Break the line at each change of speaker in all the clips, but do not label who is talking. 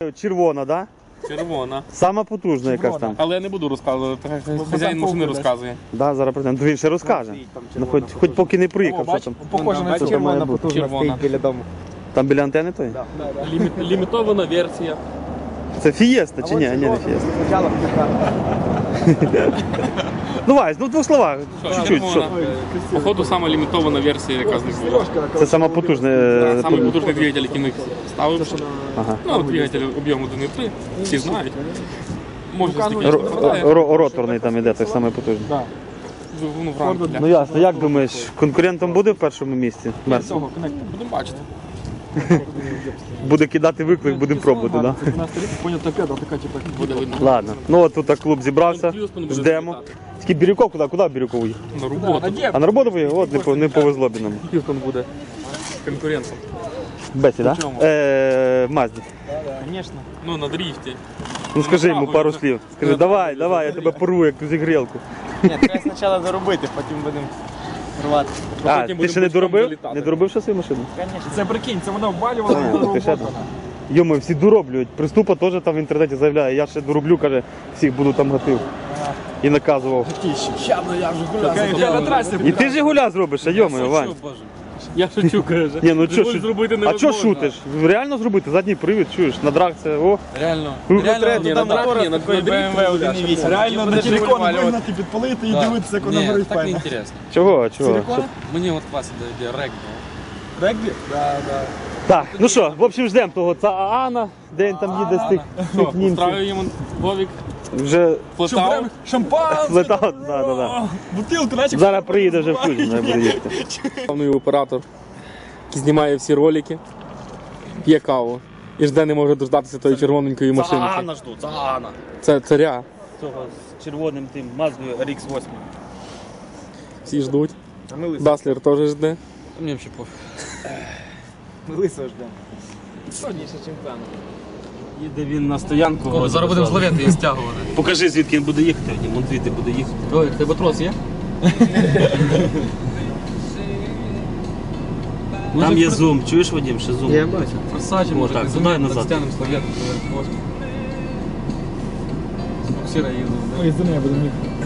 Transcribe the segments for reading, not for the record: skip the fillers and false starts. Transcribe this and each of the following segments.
Червона, так?
Червона.
Сама потужна якась там.
Але я не буду розказувати, хазяїн машини розказує.
Да, зараз прийдемо. Він ще розкаже. Ну, хоч поки не приїхав, що там.
Похоже на червона потужна стоїть біля дому.
Там біля антени той?
Лімітована версія.
Це Фієста чи ні? Ні, не Фієста. Ну, Вась, ну в двох словах. Чуть-чуть. Що?
Походу, сама лімітована версія, яка з них була.
Це сама потужна.
Саме потужний двигатель, який ми ставив.
Ага.
Ну, двигатель об'єму 1,3, всі знають. Можна стільки
Роторний там іде, той самий потужний.
двигуну Вранкеля.
Ну ясно, як думаєш, конкурентом буде в першому місці?
Будемо бачити.
Буде кидати виклик, будемо пробувати, так?
Буде видно.
Ладно. Ну от тут клуб зібрався, ждемо. Тільки Бірюков куди? Куди Бірюков їхав?
На роботу.
А на роботу поїхав? От не повезло б нам.
Х'юстон буде конкурентом.
Бесі, так? В Мазді.
Ну, на дріфті.
Ну скажи йому пару слів. Скажи, давай, я тебе порву, як ту зігрілку.
Ні, треба спочатку заробити, потім будемо рвати.
А, ти ще не доробив? Не доробив ще свою машину?
Це прикинь, це вона ввалювала.
Ти ще там. Йому всі дороблюють. Приступа теж там в інтернеті заявляє, я ще дороблю, каже, всіх буду там гатив. І наказував. І ти ж гуля зробиш, а йому, Вань.
Я шучу, каже.
Ні, ну чо,
зробити
а
невозможно.
чо шутиш? Реально зробити? Задній привід, чуєш, на драг це, о.
Реально.
Реально,
там мотора такої
BMW 1.8. Реально на телефон вигнати, підпалити і дивитися, як вона горить
так не
файно.
інтересно.
Чого?
Мені от класно дає регбі.
Регбі? Да.
Так, ну що, в общем, ждемо того Цаана, де він там їде з тих німців.
Устраюємо Вовік,
Вже
плетав.
Шампанське!
летав, да.
Бутилку, наче.
Зараз приїде вже в Кузьму, я буду їхати.
Головний оператор, який знімає всі ролики, п'є каву. І жде не може дождатися тої червоненької машинки.
жду, Цаана.
Це царя.
Цього з червоним тим Маздою RX-8.
Всі ждуть.
А ми лисо.
Даслер теж жде.
Мені взагалі пофіг.
Ми лисо ждемо. Сьогодніше чемпіон.
Їде він на стоянку.
Зараз будемо зловити і стягувати.
Покажи, звідки він буде їхати. Вон звідти буде їхати.
Ой, в тебе трос є?
Там є зум, чуєш, Вадим, ще зум?
Я бачу.
Форсачі, може,
так,
так,
туди і назад.
Стягнемо слов'ятку, поверх. Буксира їздив.
Ой, за нею будемо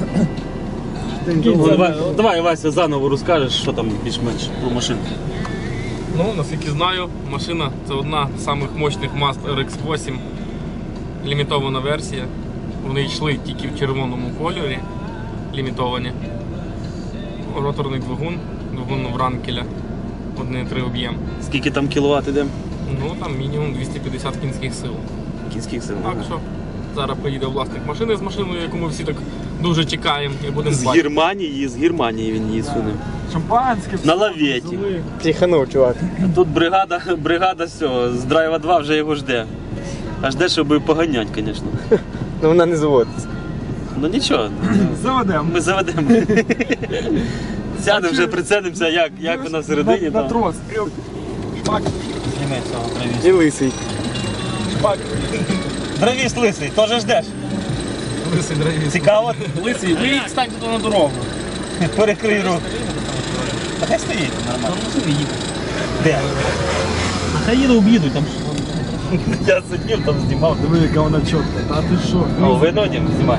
їхати.
Давай, Вася, заново розкажеш, що там більш-менш про машину.
Ну, наскільки знаю, машина це одна з самих мощних Mazda RX-8, лімітована версія. Вони йшли тільки в червоному кольорі, лімітовані. Роторний двигун Вранкеля, 1,3 об'єм.
Скільки там кіловат іде?
Ну, там мінімум 250 кінських сил.
Кінських сил.
Так що зараз приїде власник машини з машиною, яку ми всі так дуже чекаємо і будемо
З
бачити.
Германії він її суне.
Шампанське.
На лаветі.
Психанув, чувак.
Тут бригада все, з драйва 2 вже його жде. А жде, щоб поганять, звісно.
Ну вона не заводиться.
Ну нічого,
Заведемо.
ми заведемо. Сядемо вже, прицелимося, як вона всередині.
На
там.
трос. Шпак.
Зніми цього дровіс.
І лисий. Шпак.
Дровіс лисий, теж ждеш?
Лисий драйвіс.
Цікаво?
Лисий, ви станьте тут на дорогу.
Перекрий руку. А хай стоїть, нормально. Де? А хай їдуть там. Я сидів, там знімав.
Диви, яка вона чітка. Та ти що?
О, видно, Дім, знімай.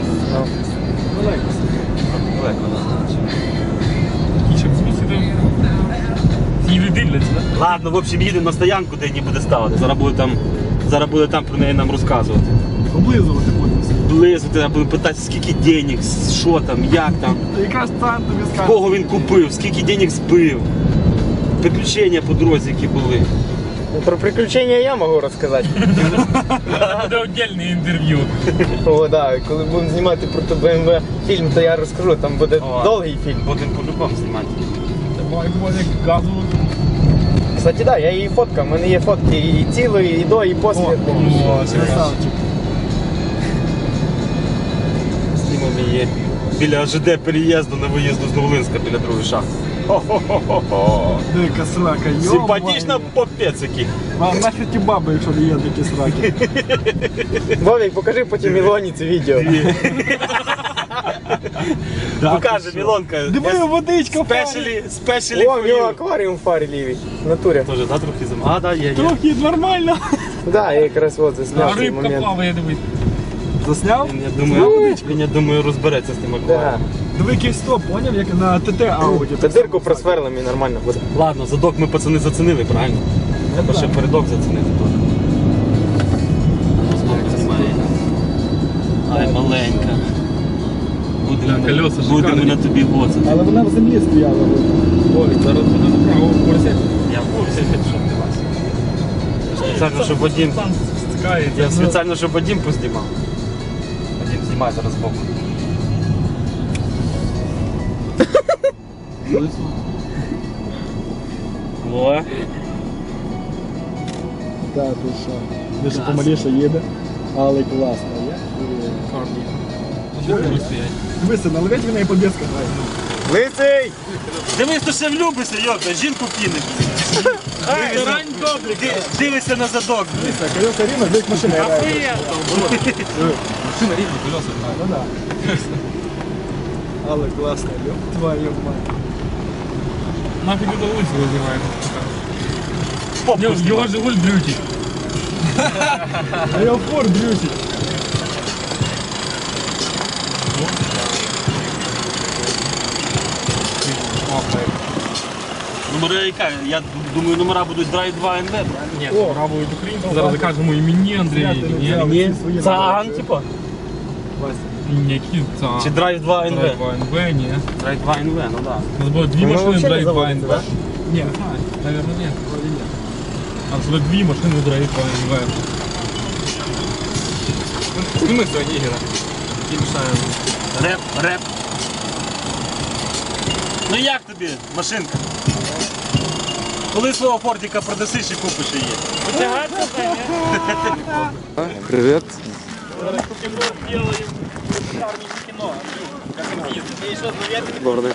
І щоб змусити її дивляться, так?
Ладно, в общем, їдемо на стоянку, де її буде ставити. Зараз буде там про неї нам розказувати.
Облизувати будемо.
Близько, треба буде питати, скільки денег, що там, як там,
Яка ж там тобі скаже?
кого він купив, скільки денег збив. Приключення по дорозі, які були.
Про приключення я можу розказати.
Буде окремне інтерв'ю.
О, да, коли будемо знімати про BMW фільм, то я розкажу, там буде довгий фільм.
Будемо по-любому знімати.
Давай, Вовік, газу.
Кстати, да, я її фоткав, у мене є фотки і цілої, і до, і після. Красавчик.
Знімемо її біля ЖД переїзду на виїзду з Новолинська, біля другої шахти. Хо-хо-хо-хо.
Дика срака, йо.
Симпатично попець який.
Нащо ті баби, якщо не є такі сраки? Вовік, покажи потім Ілоні це відео.
Покаже, Мілонка.
Диви, водичка в
Спешалі
О, в нього акваріум в фарі лівій. В натурі.
Тоже, да, трохи замовити? А, да, є.
Трохи нормально. Да, я якраз от
А
засняв цей
рибка
момент.
плаває, дивись.
Засняв?
Він, я думаю, розбереться з тим
Да.
акваріумом.
Диви який стоп, поняв, як на ТТ Ауді.
Та дирку просверлим і нормально буде.
Ладно, задок ми пацани зацінили, правильно? Треба ще передок зацінити теж. Знімає. Ай, маленька.
Так, колеса
Будемо
шикарні.
на тобі гоцати.
Але вона в землі стояла.
Ой, зараз буде направо в курсі.
Я в курсі, що ти вас. Спеціально, щоб Вадим...
Сам стискається.
Я спеціально, щоб Вадим познімав. Вадим, знімай зараз збоку. О,
Так, ти що? Дуже помаліше їде, але класно. Дивися, наливать вона і подвеска грає.
Лисий!
дивись, то ще влюбишся, йопта, жінку кине. Дивися на задок.
Дивися, колеса рівно, десь машина грає.
Машина рівна, колеса.
Ну да. Але класно, ёб твою мать.
Нафиг это улицу вызывает. Его Жигуль дрючит.
А я в фор дрючить.
Номера яка? Я думаю, номера будуть Drive 2 NV, правильно?
Нет, пробует Украину. Зараз закажемо імені Андрія.
Ні, Цаган, типу?
Ні, Цаган.
Чи Drive 2 NV?
НВ, ні.
Drive 2 NV, ну да.
У нас було дві
Воно
машини
взагалі не
Drive 2
заводиться,
НВ. Ні, не знаю, наверное, нет. А це дві машини Drive 2 НВ. Сніми сьогодні Ігора. Який мішає.
Реп. Ну як тобі, машинка? Коли свого фортика продасиш і купиш її?
Привіт. Добрий.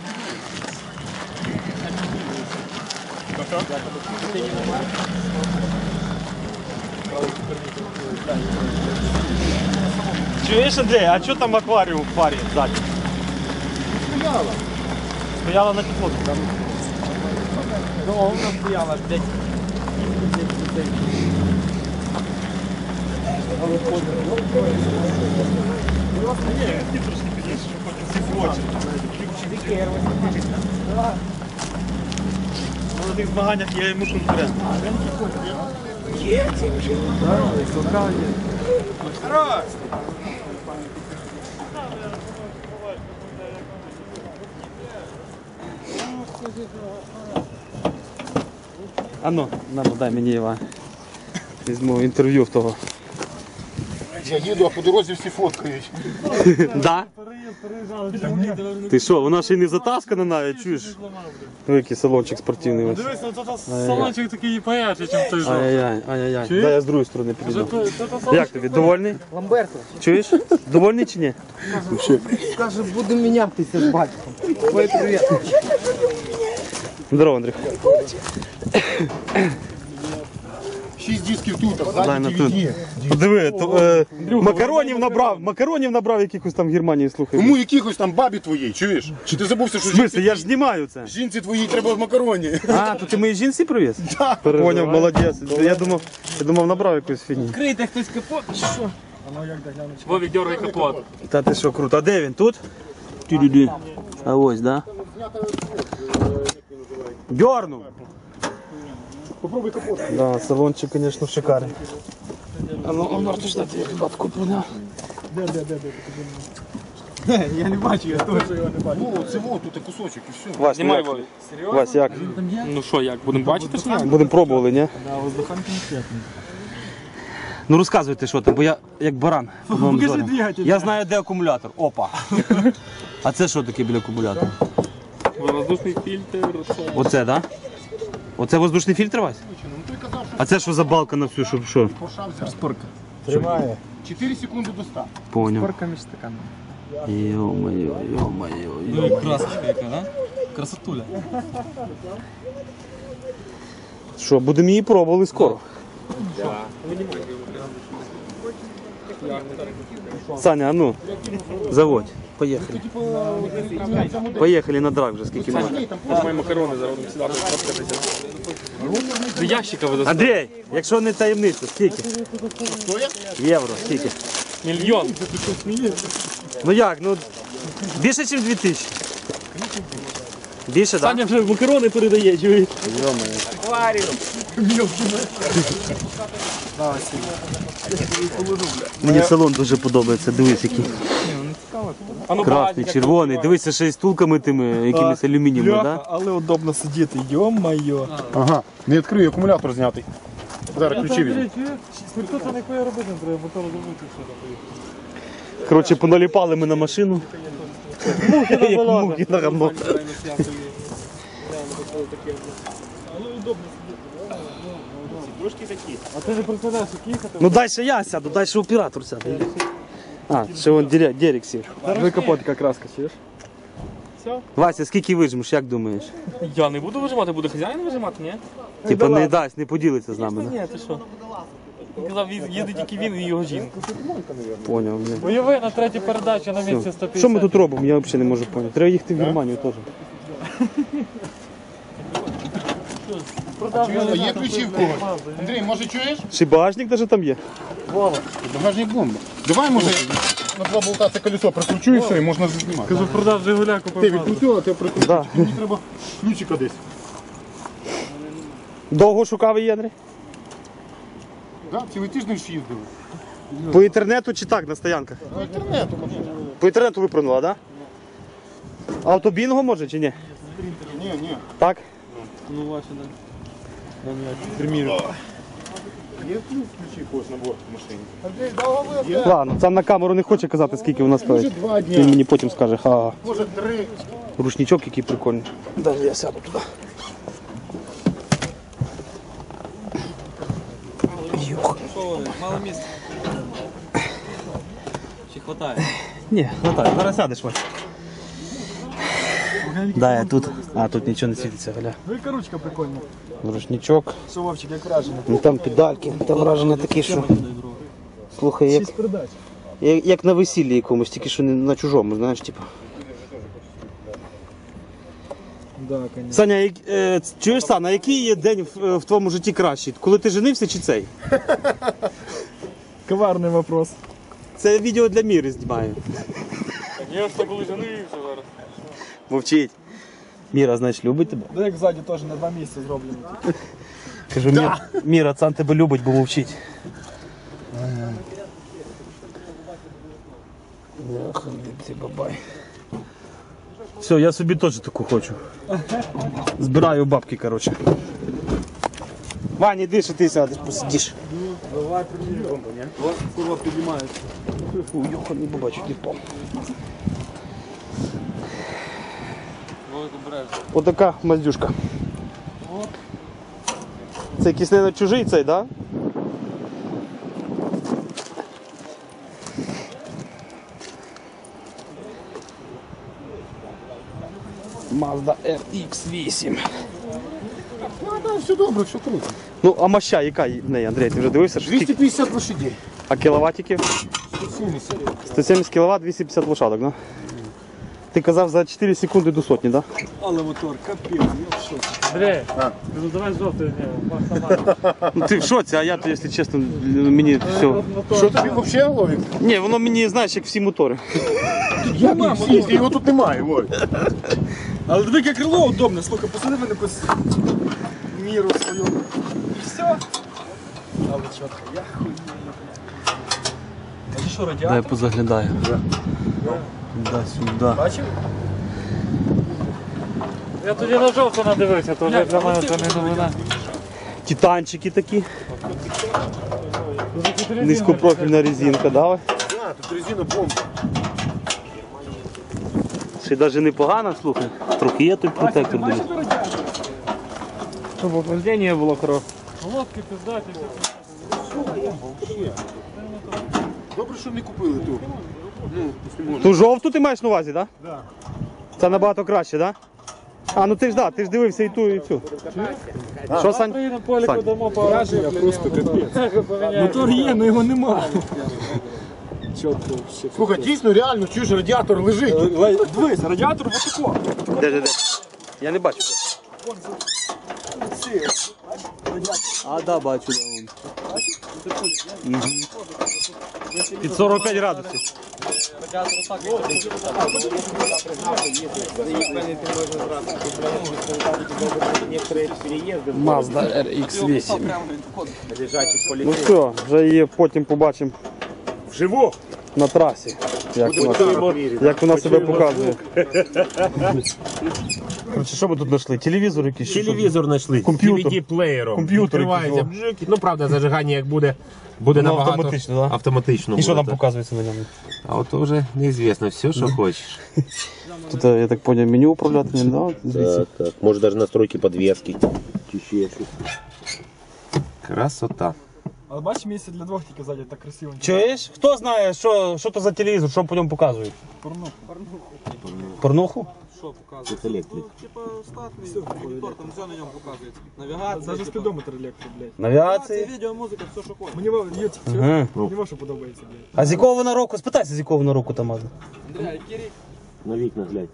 Чуєш, Андрій, а що там акваріум в парі ззаді? Стояла. Стояла на теплоті, так?
Довго стояла, блядь.
На тих змаганнях я йому конкурент. А ну, дай мені Іван. Візьму інтерв'ю в того.
Я їду, а по дорозі всі фоткають.
Да? Ти що, вона ще й не затаскана навіть, чуєш? Який салончик спортивний ось.
Дивись, тут салончик такий поярче, ніж той же.
Ай-яй-яй. Дай я з другої сторони підійду. Як тобі, довольний?
Ламберто.
Чуєш? Довольний чи ні?
Каже, будемо мінятися з батьком. Ой, привіт.
Здорово, Андрій.
6 дисків тут, а
Дай на
ззаді
тут.
DVD.
Подиви, макаронів набрав якихось там в Германії, слухай.
Кому якихось там бабі твоїй, чуєш? Чи ти забувся, що
В смысле, я ж знімаю це.
жінці твоїй треба макароні?
А, то ти моїй жінці привіз? Так. Поняв, молодець. Я думав, набрав якусь фігні.
Крийте хтось капот, чи що? Вовик, дергай капот.
Та ти що, круто. А де він? Тут? Тю-дю-дю. А ось, да? Дьорнув.
Попробуй капот.
Да, салончик, конечно, шикарний. А ну, Мартуш, дати як бабку поняв.
Я не бачу, я точно його не бачу.
Ну, це вот, тут кусочок і все.
Вась,
Знімай,
як?
Вовик.
Вась, як?
Ну що, як, будемо бачити, що ні?
Будемо пробували, ні?
Да, воздуханки не святні.
Ну розказуйте, що там, бо я як баран.
Покажи двигатель.
Я знаю, де акумулятор. Опа. А це що таке біля акумулятора?
Воздушний фільтр, це...
Оце, так? Да? Оце воздушний фільтр, Вась? А це що за балка на всю, щоб що?
Спорка.
Тримає.
4 секунди до 100.
Поняв.
Спорка між стаканами.
Йо-моє.
Красочка яка, да? Красотуля.
Що, будемо її пробували скоро? Саня, а ну, заводь. Поїхали. Поїхали на драк вже, скільки можна.
Мої макарони зараз будемо сідати, фоткатися. До ящика ви
Андрій, якщо не таємниця, скільки? Євро, скільки?
Мільйон.
Ну як, ну більше, ніж 2000. Більше, так?
Саня вже макарони передає, чуєш?
Мені салон дуже подобається, дивись який. Красний, червоний, дивися ще й стулками тими, якимись алюмінієвими,
Бляха,
так?
але удобно сидіти, йо-майо.
Ага, не відкрию, акумулятор знятий. Зараз ключі візьму.
Тут не кое робити, не треба мотор зробити все.
Коротше, поналіпали ми на машину. Як мухи на гамно.
А ти не представляєш, як їхати?
Ну дальше я сяду, дальше оператор сяде. А, ще вон Дерек сів.
Ви капот яка краска, чуєш?
Вася, скільки вижмеш, як думаєш?
Я не буду вижимати, буде хазяїн вижимати, ні?
Типа не дасть, не поділиться з нами, да?
Ні, ти що? Він казав, їздить тільки він і його жінка.
Поняв. Ні.
Уяви на третій передачі на місці 150.
Що ми тут робимо, я взагалі не можу поняти. Треба їхати в Германію теж.
А є ключі в когось? Андрій, може чуєш?
Ще й багажник навіть там є.
Багажник бомба. Давай, може, на два болта це колесо прикручу і все, і можна знімати.
Кажу, продав Жигуля,
Ти
купив.
відкрутив, а ти прикрутив.
Да.
Мені треба ключика десь.
Довго шукав її, Андрій?
Да, цілий тиждень ж їздили.
По інтернету чи так, на стоянках?
По інтернету, може.
По інтернету виправила, так? Да? Автобінго може чи ні?
Ні.
Так?
Ну, ваші, да.
Є ключі когось на борт в машині?
Ладно, сам на камеру не хоче казати, скільки вона
Може
стоїть.
2
Він
дні,
мені потім скаже, ха,
може 3.
рушничок який прикольний. Даже я сяду туди.
Мало місця. Чи хватає?
Ні, хватає, зараз сядеш, Вася. Да, я тут. А, тут нічого не світиться, гля.
Велика ручка прикольна.
Рушничок.
Що, Вовчик, як вражений?
Ну там педальки, там враження такі, що. Слухай, як,
6 передач.
як на весіллі якомусь, тільки що не на чужому, знаєш, типу.
Да, конечно.
Саня, чуєш, Саня, який є день в твоєму житті кращий? Коли ти женився чи цей?
Коварний вопрос.
Це відео для Міри знімаю.
Звісно, коли женився зараз.
Мовчить. Міра, значить, любить тебе?
Да, як ззаді теж на 2 місця зроблено.
Кажу, Міра, Цан тебе любить, бо мовчить. Бабай. Все, я собі теж таку хочу. Збираю бабки, коротше. Ваня, іди, що ти сядеш, посидиш.
Давай, примірюємо. Курва піднімається.
Фу, йоханий бабачок, не впав. Отака маздюшка. Це якийсь, мабуть, чужий цей, так? Да? Mazda RX-8.
Ну, да, все добре, все круто.
Ну, а моща яка в неї, Андрій, ти вже дивився? Що скільки?
250 лошадей.
А кіловатиків?
170.
170 кВт, 250 лошадок, да? Ти казав за 4 секунди до сотні, да?
Але мотор, капець, я в шоці. Андрій, ну давай жовтий,
Ну ти в шоці, а я, то, якщо чесно, мені все.
Що тобі взагалі ловить?
Ні, воно мені, знаєш, як всі мотори.
Як і всі, його тут немає, ой.
Але диви, яке крило удобне, слухай, посади мене по міру свою. І все. Але чітко, я хуй. А це що, радіатор?
Дай позаглядаю. Да, сюди.
Бачив? Я тоді на жовту надивився, то вже для мене це не новина.
Титанчики такі. Низькопрофільна резинка, да?
А, тут резина бомба.
Ще навіть непогано, слухай. Трохи є той протектор.
Бачите
дивись.
радіатор?
Щоб охлаждення було хороше.
Лодки пиздаті.
Добре, що не купили ту. Ну, якщо можна.
Ту жовту ти маєш на увазі, так? Да? Так. Це набагато краще, так? Да? А, ну ти ж да, ти ж дивився і ту, і цю. Що, Сань?
Приїдемо поліку,
Сань.
дамо по враження, просто капець. Мотор є, але його немає. Чітко вообще.
Слухай, дійсно, реально, чуєш, радіатор лежить.
Дивись, радіатор вот тако.
Де? Я не бачу. А, да, бачу. Під 45 градусів.
Mazda RX-8.
Ну все, вже її потім побачимо
Вживу.
на трасі, як вона себе показує. Короче, що ми тут знайшли? Телевізор якийсь?
Телевізор знайшли.
Комп'ютер.
DVD-плеєром.
Комп'ютер
Відкривається
якийсь,
бжик. Ну, правда, зажигання як буде набагато
автоматично, да?
автоматично
І що
буде,
там
так.
показується на ньому?
А от то вже неізвісно, все, що хочеш.
Тут, я так зрозумів, меню управляти ним, да? Звідси.
Так. Може навіть настройки подвески. Чи ще щось. Красота.
Але бачиш, місце для двох тільки ззаді так красиво.
Чуєш? Хто знає, що то за телевізор, що по ньому показують? Порнуху?
Це електрик.
Даже спідометр електро, блядь.
Навігації?
Мені є тільки
Ага.
мені що подобається, блядь.
А з якого вона року? Спитайся, з якого вона року там мазда.
На вікна глянь.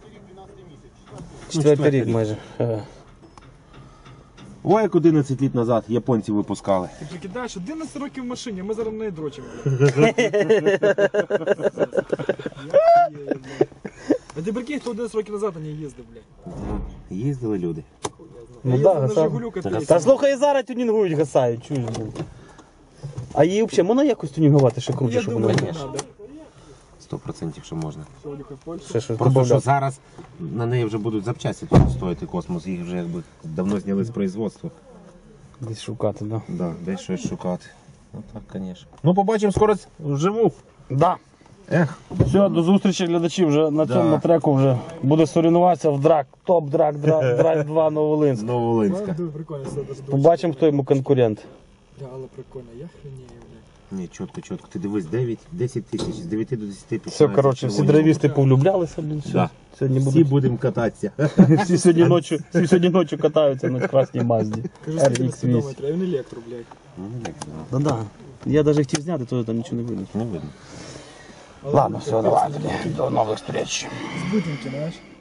4-й рік майже. Ага.
Ой, як 11 років назад японці випускали.
Ти прикидаєш, 11 років в машині, а ми зараз в неї дрочимо, блядь. А ти прикинь, хто 11 років назад на ній їздив, блядь.
Їздили люди.
Ну
Я
да,
їздив на
гасав.
Жигулю катаюся.
Та слухай, і зараз тюнінгують, гасають, чуєш, блін. А її взагалі можна якось тюнінгувати ще круче,
Я
щоб
думаю,
вона
не треба.
100% що можна.
Сьогодні в Польщу.
ще щось
Просто що
добавляти.
зараз на неї вже будуть запчасті тут стоїти космос, їх вже якби давно зняли з производства.
Десь шукати, да.
Да, десь щось шукати. Ну так, звісно. Ну побачимо скоро вживу.
Да.
Ех.
Все, до зустрічі глядачі вже на цьому треку вже буде соревнуватися в драк, топ драк 2 Новолинськ.
Новолинська.
Дуже прикольно, все дуже дуже.
Побачимо, хто йому конкурент.
Да, але прикольно, я хренею, блядь.
Ні, чітко. Ти дивись, 10 тисяч, з 9 до 10 тисяч.
Все, коротше, всі драйвісти повлюблялися, блін, все.
Да.
Сьогодні
Всі
будуть,
будемо кататися.
всі сьогодні ночі катаються на красній Мазді.
Кажу, скільки на
RX8.
спідометрі, а він електро, блядь.
Да-да. Я навіть хотів зняти, то там нічого не видно.
Не видно.
Ладно, все, давай, до нових зустріч.
Збитеньки, знаєш.